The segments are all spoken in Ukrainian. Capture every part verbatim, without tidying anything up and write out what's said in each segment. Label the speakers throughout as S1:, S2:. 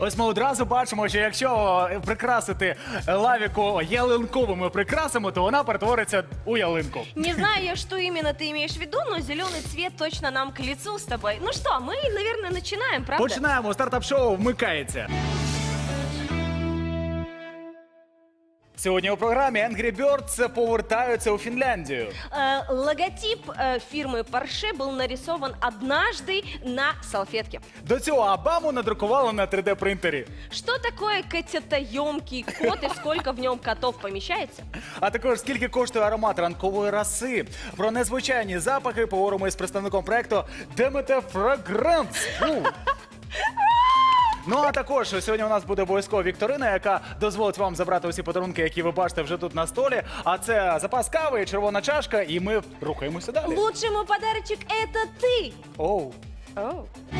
S1: Ось ми одразу бачимо, що якщо прикрасити лавіку ялинковими прикрасами, то вона перетвориться у ялинку.
S2: Не знаю, что именно ты имеешь в виду, но зеленый цвет точно нам к лицу с тобой. Ну что, мы, наверное, начинаем, правда?
S1: Починаємо, стартап-шоу вмикається. Сьогодні у програмі Angry Birds повертаються у Фінляндію.
S2: Э, логотип э, фирмы Porsche был нарисован однажды на салфетке.
S1: До цього Обаму надрукували на три де-принтері.
S2: Что такое котятоемкий кот и сколько в нем котов помещается?
S1: А також скільки коштує аромат ранкової роси. Про незвичайні запахи поговоримо із представником проекту Demeter Fragrance. Ну а також сьогодні у нас буде обов'язково вікторина, яка дозволить вам забрати усі подарунки, які ви бачите вже тут на столі. А це запас кави, червона чашка, і ми рухаємося далі.
S2: Лучший мой подарочек – это ты!
S1: Оу.
S2: Оу.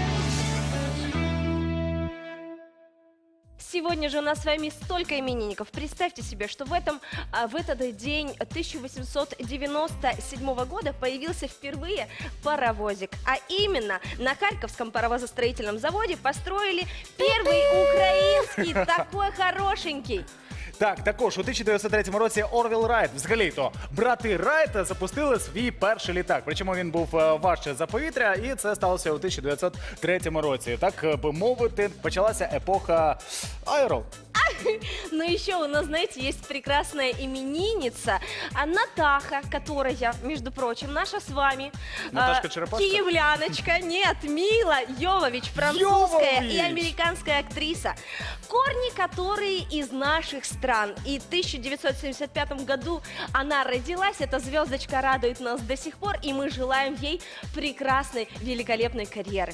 S2: Сегодня же у нас с вами столько именинников. Представьте себе, что в, этом, а, в этот день тысяча восемьсот девяносто седьмого года появился впервые паровозик. А именно на Харьковском паровозостроительном заводе построили первый украинский, такой хорошенький.
S1: Так, також у тисяча дев'ятсот третьому році Орвіл Райт, взагалі-то, брати Райт запустили свій перший літак. Причому він був е, важче за повітря, і це сталося у тисяча дев'ятсот третьому році. Так е, би мовити, почалася епоха аеро.
S2: Но еще у нас, знаете, есть прекрасная именинница, а Натаха, которая, между прочим, наша с вами,
S1: Наташка
S2: а,
S1: Черепашка?
S2: киевляночка, нет, Мила Йовович, французская
S1: Йовович!
S2: и американская актриса, корни которые из наших стран. И в тысяча девятьсот семьдесят пятом году она родилась, эта звездочка радует нас до сих пор, и мы желаем ей прекрасной, великолепной карьеры.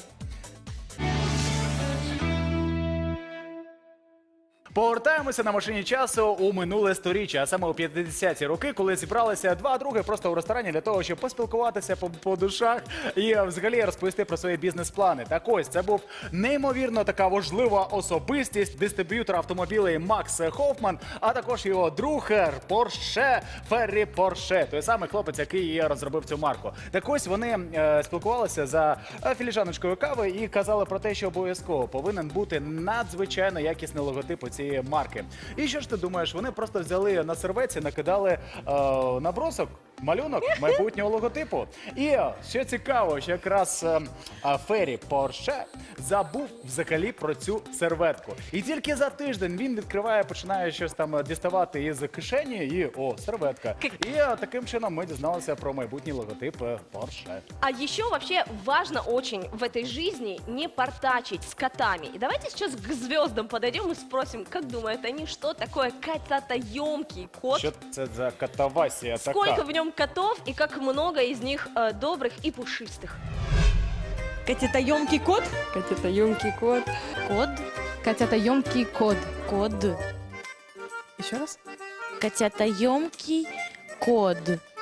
S1: Повертаємося на машині часу у минуле сторіччя, а саме у п'ятдесяті роки, коли зібралися два други просто у ресторані для того, щоб поспілкуватися по, по душах і взагалі розповісти про свої бізнес-плани. Так ось, це був неймовірно така важлива особистість, дистриб'ютор автомобілей Макс Хоффман, а також його друг Порше, Феррі Порше, той самий хлопець, який і розробив цю марку. Так ось вони е, спілкувалися за філіжаночкою кави і казали про те, що обов'язково повинен бути надзвичайно якісний логотип у цієї марки. І що ж ти думаєш, вони просто взяли на серветці, накидали е, набросок, малюнок майбутнього логотипу. І що цікаво, що якраз е, е, Феррі Порше забув взагалі про цю серветку. І тільки за тиждень він відкриває, починає щось там діставати із кишені і, о, серветка. І е, таким чином ми дізналися про майбутній логотип е, Порше.
S2: А еще вообще важно очень в этой жизни не портачить с котами. И давайте сейчас к звездам подойдем и спросим, как думают они, что такое котятоемкий кот?
S1: Що це за катавасія така?
S2: Сколько в нем котов и как много из них э, добрых и пушистых?
S3: Котятоемкий кот? Котятоемкий кот.
S4: Код. Котятоемкий код.
S3: Код. Еще раз.
S4: Котятоемкий код.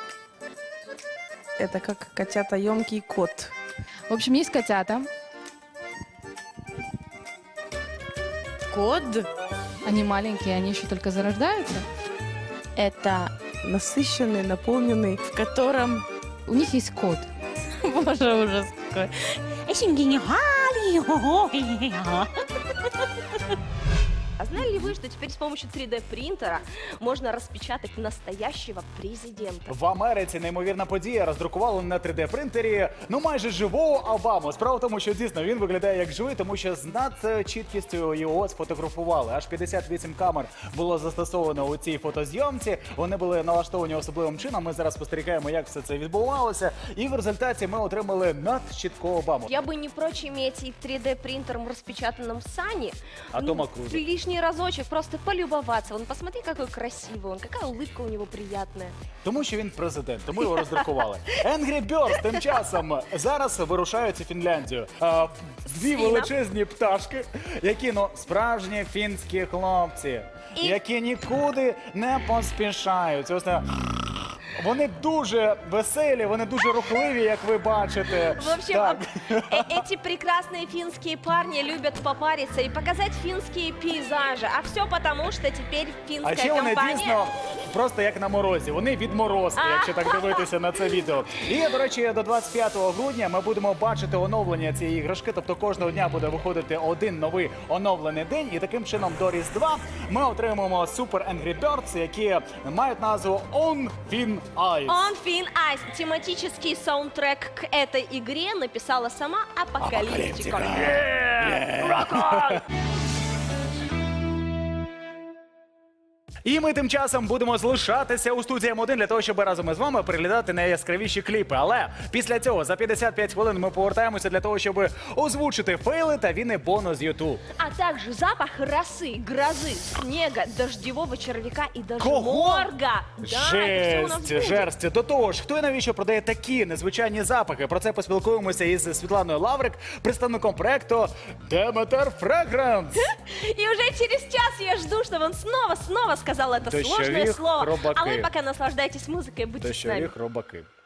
S3: Это как котятоемкий кот.
S4: В общем, есть котята.
S3: Код.
S4: Они маленькие, они еще только зарождаются. Это
S3: Насыщенный, наполненный.
S4: в котором у них есть код. Боже, ужас какой.
S2: А знали ли вы, что теперь с помощью три дэ принтера можно распечатать настоящего президента?
S1: В Америці неймовірна подія. Роздрукували на три де-принтері, ну майже живого Обаму. Справа в тому, що дійсно він виглядає як живий, тому що з надчіткістю його сфотографували. Аж п'ятдесят вісім камер було застосовано у цій фотозйомці. Вони були налаштовані особливим чином. Ми зараз спостерігаємо, як все це відбувалося. І в результаті ми отримали надчіткого Обаму.
S2: Я бы не прочь иметь и три дэ принтером распечатанном Сани.
S1: А Тома Круза.
S2: Лишний разочек просто полюбоваться. Вон, посмотри, какой красивый он, какая улыбка у него приятная.
S1: Тому що він президент, тому його роздрукували. Angry Birds тим часом зараз вирушають у Фінляндію. А, дві
S2: Свіна.
S1: величезні пташки, які, ну, справжні фінські хлопці,
S2: І-
S1: які нікуди не поспішають. Ось, е, вони дуже веселі, вони дуже рухливі, як ви бачите.
S2: В общем,
S1: Так.
S2: э- эти прекрасные финские парни любят попариться и показать финские пейзажи. А все потому, что теперь
S1: А
S2: финская
S1: ще вони
S2: компания...
S1: дійсно просто як на морозі. Вони відморозки, якщо так дивитися на це відео. І, до речі, до двадцять п'ятого грудня ми будемо бачити оновлення цієї іграшки. Тобто кожного дня буде виходити один новий оновлений день. І таким чином до Різдва ми отримаємо Super Angry Birds, які мають назву On Thin Ice.
S2: On Thin Ice. Тематический саундтрек к этой игре написала сама Апокалиптика.
S1: І ми тим часом будемо залишатися у студії М один для того, щоб разом із вами переглядати найяскравіші кліпи. Але після цього за п'ятдесят п'ять хвилин ми повертаємося для того, щоб озвучити фейли та вінний бонус з YouTube.
S2: А также запах росы, грозы, снега, дождевого червяка и даже
S1: Кого?
S2: морга. Да, это все у нас
S1: Жесть,
S2: будет.
S1: жерсть. До того ж, хто і навіщо продає такі незвичайні запахи? Про це поспілкуємося із Світланою Лаврик, представником проекту Demeter Fragrance.
S2: И уже через час я жду, чтобы он снова-снова сказал это
S1: Дождевик,
S2: сложное слово. А
S1: хробаки.
S2: вы пока наслаждайтесь музыкой, будьте с нами.
S1: Дощові хробаки.